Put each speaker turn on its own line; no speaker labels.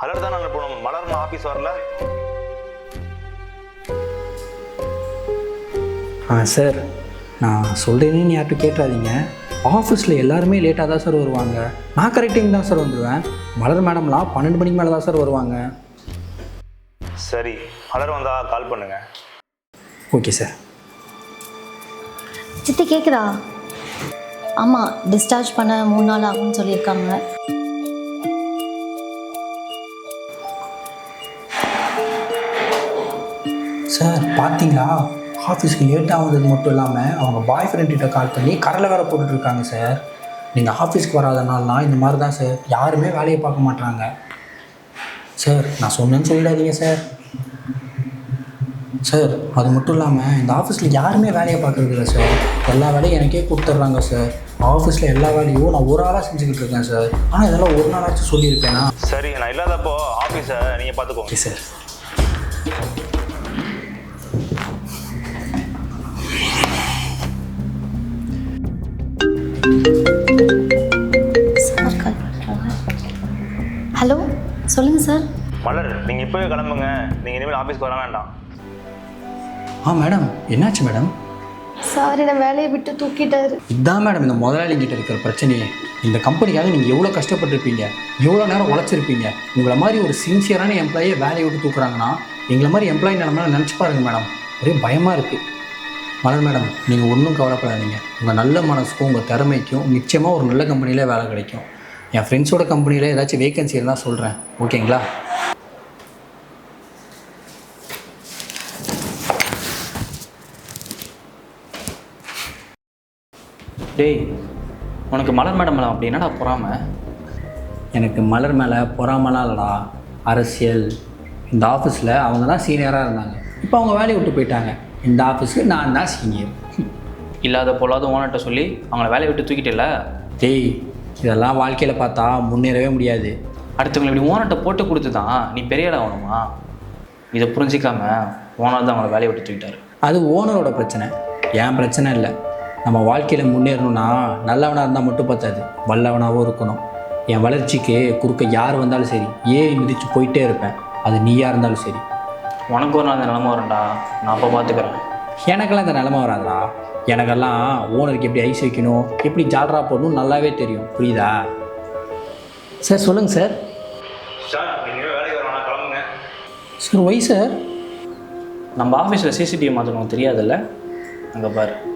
Alert தான் அனுப்பணும். மலர் office வரல.
சார், நான் சொல்கிறேன்னு யார்கிட்ட கேட்டுறாதீங்க. ஆஃபீஸில் எல்லாருமே லேட்டாக தான் சார் வருவாங்க. நான் கரெக்ட் டைம் தான் சார் வந்துடுவேன். மலர் மேடம்லாம் 12 மணிக்கு மேலே தான் சார் வருவாங்க.
சரி, மலர் வந்தால் கால் பண்ணுங்க.
Okay sir.
சித்தி கேட்குதா? ஆமாம், டிஸ்சார்ஜ் பண்ண 3 நாள் ஆகும்னு சொல்லியிருக்காங்க.
சார் பார்த்தீங்களா, ஆஃபீஸ்க்கு லேட்டாக வந்தது மட்டும் இல்லாமல் அவங்க பாய் ஃப்ரெண்ட்கிட்ட கால் பண்ணி கடலை வேறு போட்டுட்ருக்காங்க சார். நீங்கள் ஆஃபீஸ்க்கு வராதனாலனா இந்த மாதிரி தான் சார், யாருமே வேலையை பார்க்க மாட்டாங்க. சார், நான் சொன்னேன்னு சொல்லிடாதீங்க சார். சார், அது மட்டும் இல்லாமல் இந்த ஆஃபீஸில் யாருமே வேலையை பார்க்குறது இல்லை சார். எல்லா வேலையும் எனக்கே கொடுத்துட்றாங்க சார். ஆஃபீஸில் எல்லா வேலையும் நான் ஒரு ஆளாக செஞ்சுக்கிட்டு இருக்கேன் சார். ஆனால் இதெல்லாம் ஒரு நாளாச்சும் சொல்லியிருப்பேனா?
சரி, நான் இல்லாதப்போ ஆஃபீஸை நீங்கள் பார்த்துக்கோங்க.
Okay sir.
சார் கால் பண்ணுறாங்க. ஹலோ, சொல்லுங்கள் சார்.
மலர், நீங்கள் இப்போவே கிளம்புங்க. நீங்கள் இனிமேல் ஆஃபீஸ்க்கு வர வேண்டாம்.
மேடம், என்னாச்சு மேடம்?
சார், என்னை வேலையை விட்டு தூக்கிட்டாரு.
இதுதான் மேடம் இந்த முதலாளிங்கிட்ட இருக்கிற பிரச்சனையே. இந்த கம்பெனிக்காக நீங்கள் எவ்வளோ கஷ்டப்பட்டுருப்பீங்க, எவ்வளோ நேரம் உழைச்சிருப்பீங்க. உங்களை மாதிரி ஒரு சின்சியரான எம்ப்ளாயை வேலையை விட்டு தூக்குறாங்கன்னா எங்களை மாதிரி எம்ப்ளாயி நிலமையில நினச்சி பாருங்கள் மேடம். ஒரே பயமாக இருக்குது. மலர் மேடம், நீங்கள் ஒன்றும் கவலைப்படாதீங்க. உங்கள் நல்ல மனசுக்கும் உங்கள் திறமைக்கும் நிச்சயமாக ஒரு நல்ல கம்பெனியில் வேலை கிடைக்கும். என் ஃப்ரெண்ட்ஸோட கம்பெனியில் ஏதாச்சும் வேகன்சி இருந்தால் சொல்கிறேன், ஓகேங்களா?
டேய், உனக்கு மலர் மேடம் மேடம் அப்படி என்னடா பொறாம?
எனக்கு மலர் மேலே பொறாமலாம் இல்லைடா, அரசியல். இந்த ஆஃபீஸில் அவங்க தான் சீனியராக இருந்தாங்க. இப்போ அவங்க வேலையை விட்டு போயிட்டாங்க. இந்த ஆஃபீஸுக்கு நான் தான் சீனியர்.
இல்லாத பொல்லாத ஓனர்கிட்ட சொல்லி அவங்கள வேலையை விட்டு தூக்கிட்டல.
டேய், இதெல்லாம் வாழ்க்கையில் பார்த்தா முன்னேறவே முடியாது.
அடுத்தவங்களை இப்படி ஓனர்கிட்ட போட்டு கொடுத்து தான் நீ பெரிய ஆள் ஆகணுமா? இதை புரிஞ்சிக்காம ஓனர் தான் அவங்கள வேலையை விட்டு தூக்கிட்டாரு.
அது ஓனரோட பிரச்சனை, என் பிரச்சனை இல்லை. நம்ம வாழ்க்கையில் முன்னேறணும்னா நல்லவனாக இருந்தால் மட்டும் பத்தாது, வல்லவனாகவும் இருக்கணும். என் வளர்ச்சிக்கு குறுக்க யார் வந்தாலும் சரி ஏறி மிதித்து போயிட்டே இருப்பேன், அது நீயாக இருந்தாலும் சரி.
உனக்கு ஒரு நாள் அந்த நிலமை வரண்டா, நான் அப்போ பார்த்துக்கிறேன்.
எனக்கெல்லாம் இந்த நிலமை வராதா. எனக்கெல்லாம் ஓனருக்கு எப்படி ஐஸ் வைக்கணும், எப்படி ஜால்ரா போடணும் நல்லாவே தெரியும், புரியுதா? சார் சொல்லுங்கள் சார்.
சார், நீங்கள் வேலைக்கு வர வேணாம், கிளம்புங்க.
Sir why sir?
நம்ம ஆஃபீஸில் சிசிடிவி மாற்றணும் தெரியாதுல்ல? அங்கே பாரு.